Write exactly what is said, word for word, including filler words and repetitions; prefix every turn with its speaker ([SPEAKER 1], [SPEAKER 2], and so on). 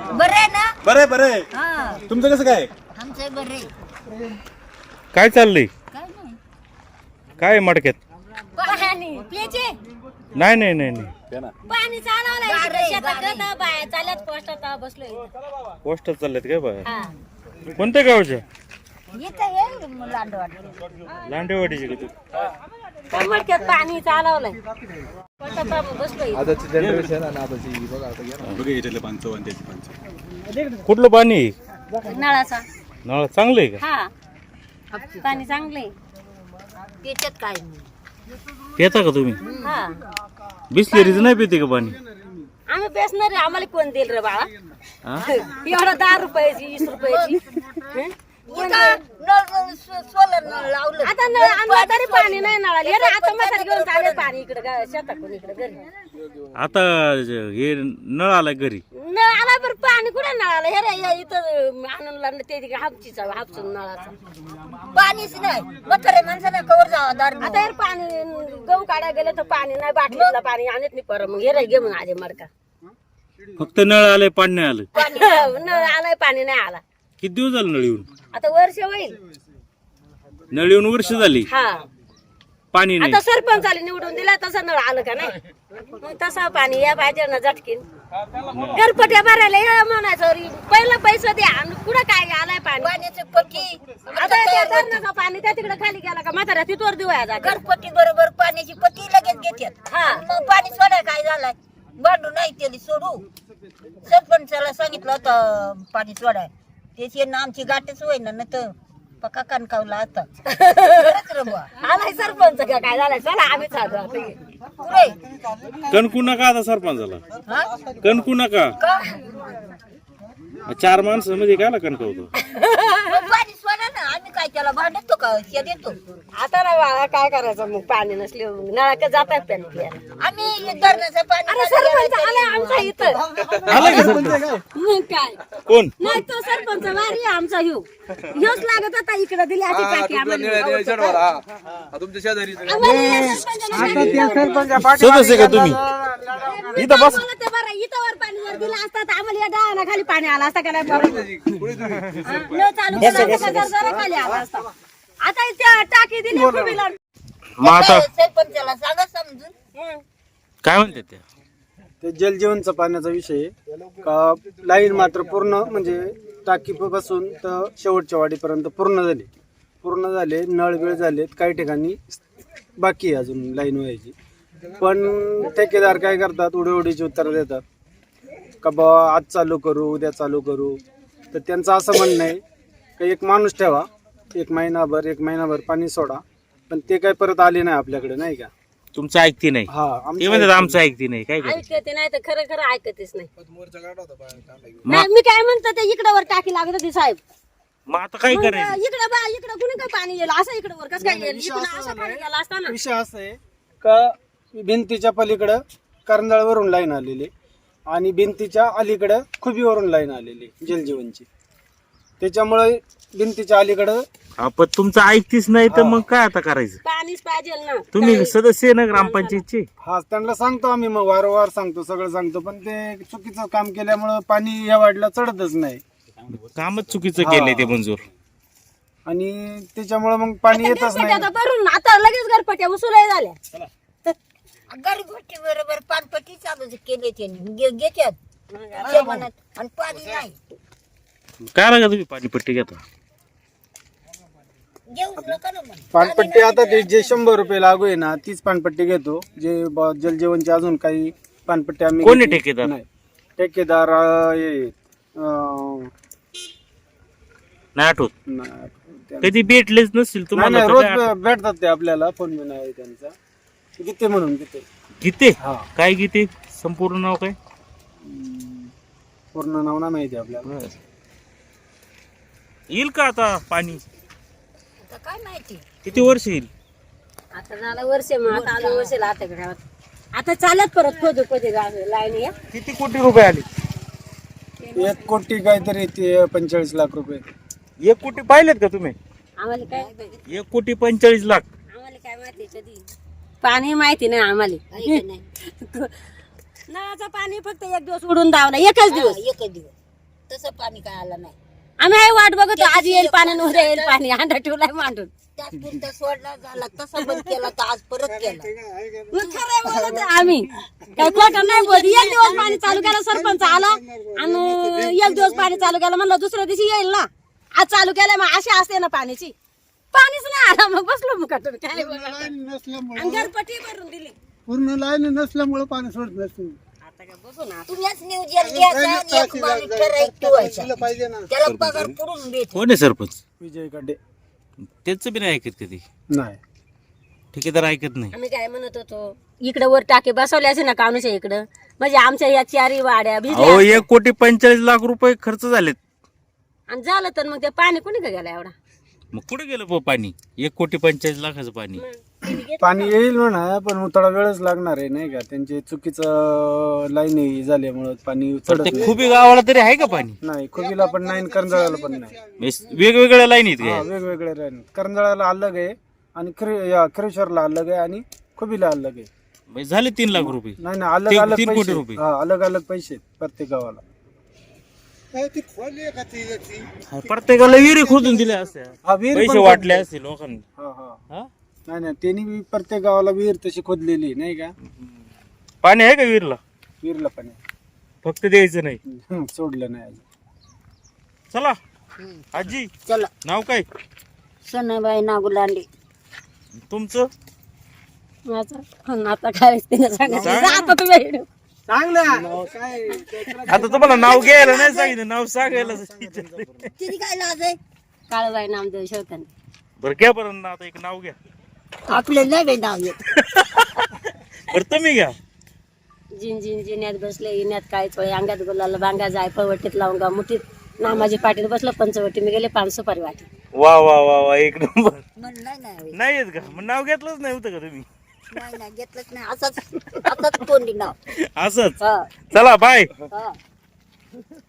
[SPEAKER 1] बरं आहे ना?
[SPEAKER 2] बरं आहे बरं आहे.
[SPEAKER 1] हा
[SPEAKER 2] तुमचं कसं काय?
[SPEAKER 1] आमचं बरं आहे.
[SPEAKER 3] काय चाललंय?
[SPEAKER 1] काय नाही
[SPEAKER 3] काय आहे मडक्यात?
[SPEAKER 1] पाणी प्यायचे
[SPEAKER 3] नाही नाही नाही नाही
[SPEAKER 2] द्या ना.
[SPEAKER 1] पाणी चालवलंय शेतात बाया चालत पोस्टात बसलोय
[SPEAKER 3] पोस्टर चाललेत काय बाय?
[SPEAKER 1] हा
[SPEAKER 3] कोणत्या गावच्या?
[SPEAKER 1] इथं ये लांडवाड
[SPEAKER 3] लांडेवाडीची का तू?
[SPEAKER 1] मडक्यात पाणी चालवलंय पोस्टात बसलोय
[SPEAKER 4] आताची जनरेशन आणि आताची बघा आता घ्या ना.
[SPEAKER 2] बघा याच्यातलं पानचं आणि त्याची पानचं.
[SPEAKER 3] कुठलं पाणी आहे?
[SPEAKER 1] नळाचा
[SPEAKER 3] नळ चांगलं आहे का?
[SPEAKER 1] हा पाणी चांगलंय त्याच्यात काय नाही
[SPEAKER 3] पिता का तुम्ही?
[SPEAKER 1] हा
[SPEAKER 3] बिसलेरीच नाही पिते का पाणी?
[SPEAKER 1] आम्ही बेसणार आहे आम्हाला कोण देईल रे बाळा
[SPEAKER 3] हा?
[SPEAKER 1] एवढा दहा रुपयाची वीस रुपयाची हं? आता नळ आणला तरी पाणी नाही नळाला हे रे, आता म्हातारी घेऊन चालेल पाणी इकडे शेताकडून इकडे घरी
[SPEAKER 3] आता ज- हे नळ आलाय घरी.
[SPEAKER 1] नळ आला बरं पाणी कुठे नळाला हे रे हे इथं आणून लागलं ते हापचीचा हापसून नळाचा पाणीच नाही म्हातारे माणसाने कवर जावा दार आता हे पाणी गहू काढायला गेलं तर पाणी नाही बाटलीतलं पाणी आणत नाही परत मग हे रे घे मग आले मरका
[SPEAKER 3] फक्त नळ आलाय पाणी नाही आलं.
[SPEAKER 1] पाणी नळ आलाय पाणी नाही आला
[SPEAKER 3] किती दिवस झालं नळ येऊन?
[SPEAKER 1] आता वर्ष होईल
[SPEAKER 3] नळ येऊन वर्ष झाली
[SPEAKER 1] हा
[SPEAKER 3] पाणी नाही.
[SPEAKER 1] आता सरपंच आले निवडून दिला तसं नळ आलं का नाही मग तसं पाणी या पाहिजे ना झटकीन घरपट्या भरायला या म्हणायचं पहिलं पैसा द्या आणि पुढे काय आलाय पाणी पाण्याची पट्टी आता त्या धरणाचं पाणी त्या तिकडे खाली गेला का म्हातारा तिथवर दिवाया जाते घरपट्टी बरोबर पाण्याची पट्टी लगेच घेतात हा मग पाणी सोडाय काय झालाय भांडू नाही त्याला सोडू सरपंचाला सांगितलं होतं पाणी सोडाय त्याची ना आमची गाठच होईना ना तर पक्का कणकावला आता आलाय सरपंच का काय झालाय चला आम्ही
[SPEAKER 3] कणकू नका आता सरपंचाला कणकू नका.
[SPEAKER 1] का
[SPEAKER 3] चार माणसं मध्ये काय कणकवतो?
[SPEAKER 1] पाणी सोडा ना आम्ही काय त्याला भांडतो का शे देतो आता ना बाळा काय करायचं मग पाणी नसले नळा का जातात पाणी प्यायला आम्ही धरणाचं पाणी सरपंच आलाय आमचा इथं
[SPEAKER 3] आलाय का सरपंच?
[SPEAKER 1] मग काय
[SPEAKER 3] कोण?
[SPEAKER 1] नाही तो सरपंच वारी आमचा ह्यो ह्योच लागत होता इकडे दिली अशी टाकी
[SPEAKER 4] तुमच्या निळ्या निळ्या शर्टवर, हा. हा, तुमच्या शेजारी
[SPEAKER 3] सदस्य का तुम्ही? इथं बस.
[SPEAKER 1] ते बरं इथं वर पाणी जर दिलं असतं तर आम्हाला या डाळाला खाली पाणी आलं असतं का नाही बाबा? हा, नळ चालू केला असता का जरा खाली आला असता आता त्या टाकी दिली खुबीला.
[SPEAKER 3] मग आता
[SPEAKER 1] सरपंचाला सांगा समजून
[SPEAKER 3] काय म्हणते त्या?
[SPEAKER 5] ते जलजीवनचा पाण्याचा विषय आहे का लाईन मात्र पूर्ण म्हणजे टाकी पासून तर शेवटच्या वाडीपर्यंत पूर्ण झाली पूर्ण झाले नळ वेळ झालेत काही ठिकाणी बाकी आहे अजून लाईन व्हायची पण ठेकेदार काय करतात उडी उडीची उत्तर देतात का बा आज चालू करू उद्या चालू करू तर त्यांचं असं म्हणणं आहे की एक माणूस ठेवा एक महिनाभर एक महिनाभर पाणी सोडा पण ते काय परत आले नाही आपल्याकडे नाही का
[SPEAKER 3] तुमचं ऐकती नाही
[SPEAKER 5] हा
[SPEAKER 3] ते म्हणतात आमचं ऐकती नाही काय करायचं?
[SPEAKER 1] ऐकते नाही तर खरं खरं ऐकतेच नाही नाही मी काय म्हणतो ते इकडे वर टाकी लागत होती साहेब
[SPEAKER 3] मग आता काय करायचं?
[SPEAKER 1] इकडे बा इकडे कुणी काय पाणी येईल असं इकडे वर कसं काय येईल इकडे असं पाणी गेला असताना
[SPEAKER 5] विषय असा आहे का भिंतीच्या पलीकडं करंजाळवरून लाईन आलेली आणि भिंतीच्या अलीकडं खुबीवरून लाईन आलेली जलजीवनची त्याच्यामुळे भिंतीच्या अलीकडं
[SPEAKER 3] हा, पण तुमचं ऐकतीच नाही तर मग काय आता करायचं?
[SPEAKER 1] पाणीच पाहिजे ना
[SPEAKER 3] तुम्ही सदस्य आहे ना ग्रामपंचायतचे?
[SPEAKER 5] हा त्यांना सांगतो आम्ही मग वारंवार सांगतो सगळं सांगतो पण ते चुकीचं काम केल्यामुळं पाणी या वाढला चढतच नाही
[SPEAKER 3] कामच चुकीचं केलंय ते मंजूर.
[SPEAKER 5] आणि त्याच्यामुळे मग पाणी येतच
[SPEAKER 1] घरपट्ट्या
[SPEAKER 5] नाही
[SPEAKER 1] आता भरून आता लगेच घरपट्ट्या उचलाय झाल्या घरपट्टी बरोबर पानपट्टी चालू केले त्यांनी घेतात आणि पाणी नाही
[SPEAKER 3] काय लागा तुम्ही पाणीपट्टी घेता?
[SPEAKER 1] घेऊच नका ना मग.
[SPEAKER 5] पाणपट्टी आता ते जे शंभर रुपये लागू आहे ना तीच पाणपट्टी घेतो जे ब- जलजीवनचे अजून काही पाणपट्टी आम्ही
[SPEAKER 3] कोण आहे
[SPEAKER 5] घेतली
[SPEAKER 3] ठेकेदार?
[SPEAKER 5] नाही. ठेकेदार अं, हे अं,
[SPEAKER 3] नाही आठवत?
[SPEAKER 5] नाही, त्या-
[SPEAKER 3] कधी भेटलेच नसतील
[SPEAKER 5] नाही
[SPEAKER 3] तुम्हाला
[SPEAKER 5] नाही,
[SPEAKER 3] तर
[SPEAKER 5] रोज
[SPEAKER 3] काय आठवत?
[SPEAKER 5] भे- भेटतात ते आपल्याला फोन बी नाही त्यांचा गीते म्हणून गीते
[SPEAKER 3] गीते?
[SPEAKER 5] हा
[SPEAKER 3] काय गीते? संपूर्ण नाव काय?
[SPEAKER 5] पूर्ण नाव ना माहिती आपल्याला
[SPEAKER 3] येईल का आता पाणी?
[SPEAKER 1] आता काय माहिती
[SPEAKER 3] किती वर्ष येईल?
[SPEAKER 1] आता झालं वर्ष मग आता आलं वर्ष आता घरात आता चालत परत खोदू खोदे लाईन या
[SPEAKER 3] किती कोटी रुपये आले?
[SPEAKER 5] एक कोटी काहीतरी ते पंचेचाळीस लाख रुपये
[SPEAKER 3] एक कोटी पाहिलेत का तुम्ही?
[SPEAKER 1] आम्हाला काय
[SPEAKER 3] एक कोटी पंचेचाळीस लाख.
[SPEAKER 1] आम्हाला काय माहिती कधी पाणी माहिती नाही आम्हाला नळाचं पाणी फक्त एक दिवस उडून दावला एकच दिवस एकच दिवस तसं पाणी काय आलं नाही आम्ही आहे वाट बघतो आज येईल पाणी आणि उद्या येईल पाणी अंडा ठेवलाय मांडून त्यात सोडला झाला तसा बंद केला तर आज परत केला मग खरं बोलत आहे आम्ही काय खोटं नाही बोलत एक दिवस पाणी चालू केलं सरपंच आला आणि एक दिवस पाणी चालू केलं म्हणलं दुसऱ्या दिवशी येईल ना आज चालू केलं मग अशी असते ना पाण्याची पाणीच नाही आला मग बसलो मग कटून काय बोलणार आणि घरपट्टी भरून दिली
[SPEAKER 5] पूर्ण लाईन नसल्यामुळे पाणी सोडत नसते
[SPEAKER 1] आता काय बघू ना तुम्हीच नियोजन घ्यायचं आणि एक माणूस ठराविक ठेवायचा.
[SPEAKER 5] पाहिजे ना
[SPEAKER 1] त्याला पगार पुरून भेट
[SPEAKER 3] कोण आहे सरपंच
[SPEAKER 5] विजय कडे
[SPEAKER 3] त्याचं बी नाही ऐकत कधी
[SPEAKER 5] नाही
[SPEAKER 3] ठेकेदार ऐकत नाही.
[SPEAKER 1] आम्ही काय म्हणत होतो इकडे वर टाके बसवले असे ना कानुच्या इकडं म्हणजे आमच्या या चारी वाड्या
[SPEAKER 3] अहो
[SPEAKER 1] भिजल्या
[SPEAKER 3] एक कोटी पंचेचाळीस लाख रुपये खर्च झालेत.
[SPEAKER 1] आणि झालं तर मग ते पाणी कोणी का गेला एवढा
[SPEAKER 3] मग कुठे गेलं प पाणी एक कोटी पंचेचाळीस लाखाचं पाणी.
[SPEAKER 5] पाणी येईल म्हणा पण थोडा वेळच लागणार आहे नाही का त्यांचे चुकीचं लाईन झाल्यामुळे पाणी
[SPEAKER 3] तर ते
[SPEAKER 5] चढत
[SPEAKER 3] खुबी गावाला तरी आहे का पाणी.
[SPEAKER 5] नाही खुबीला पण नाही करंजाळ्याला पण नाही
[SPEAKER 3] म्हणजे वेगवेगळ्या लाईन आहेत
[SPEAKER 5] हा,
[SPEAKER 3] का.
[SPEAKER 5] वेगवेगळे लाईन करंजाळ्याला अलग आहे आणि खरेश्वरला अलग आहे आणि खुबीला अलग आहे.
[SPEAKER 3] म्हणजे झाले तीन लाख रुपये.
[SPEAKER 5] नाही ना अलग
[SPEAKER 3] तीन-
[SPEAKER 5] अलग
[SPEAKER 3] तीन कोटी
[SPEAKER 5] पैसे
[SPEAKER 3] रुपये.
[SPEAKER 5] हा अलग अलग पैसे आहेत प्रत्येक गावाला.
[SPEAKER 3] प्रत्येकाला विहिरी खोदून दिल्या असत्या
[SPEAKER 5] हा विहीर
[SPEAKER 3] पैसे
[SPEAKER 5] पण
[SPEAKER 3] वाटले असतील लोकांनी.
[SPEAKER 5] हा हा
[SPEAKER 3] हा?
[SPEAKER 5] नाही नाही त्यांनी बी प्रत्येक गावाला विहीर तशी खोदलेली नाही का
[SPEAKER 3] पाणी आहे का विहिरीला
[SPEAKER 5] विहीरला पण आहे.
[SPEAKER 3] फक्त द्यायचं नाही.
[SPEAKER 5] हं, सोडलं नाही अजून.
[SPEAKER 3] चला आजी
[SPEAKER 1] चला
[SPEAKER 3] नाव काय
[SPEAKER 1] सनाबाई नागुलांडी
[SPEAKER 3] तुमचं.
[SPEAKER 1] माझं आता काय तिने सांगितलं आता तुम्ही
[SPEAKER 5] चांगलं काय
[SPEAKER 3] आता तुम्हाला नाव घ्यायला नाही सांगितलं नाव सांगायला विचारलं.
[SPEAKER 1] तिने काय लाज आहे काळबाई नामदेव शेवताने
[SPEAKER 3] बरं घ्या बरं ना आता एक नाव घ्या.
[SPEAKER 1] आपले नाही बाई नाव येत
[SPEAKER 3] बरं तुम्ही घ्या.
[SPEAKER 1] जिन जिन जिन्यात बसले इन्यात काय चोळे अंगात गुलाला बांगा जाय पळवटीत लावून गा मुठीत नामाजी पाटील बसलं पंचवटी मी गेले पाच सुपारी वाटी
[SPEAKER 3] वा वा वा वा एक नंबर.
[SPEAKER 1] नाही नाही
[SPEAKER 3] नाही येत का मग नाव घेतलंच नाही होतं का तुम्ही.
[SPEAKER 1] नाही घेतलंच नाही असंच असंच तोंडी नाव
[SPEAKER 3] असंच
[SPEAKER 1] हा
[SPEAKER 3] चला बाय.
[SPEAKER 1] हा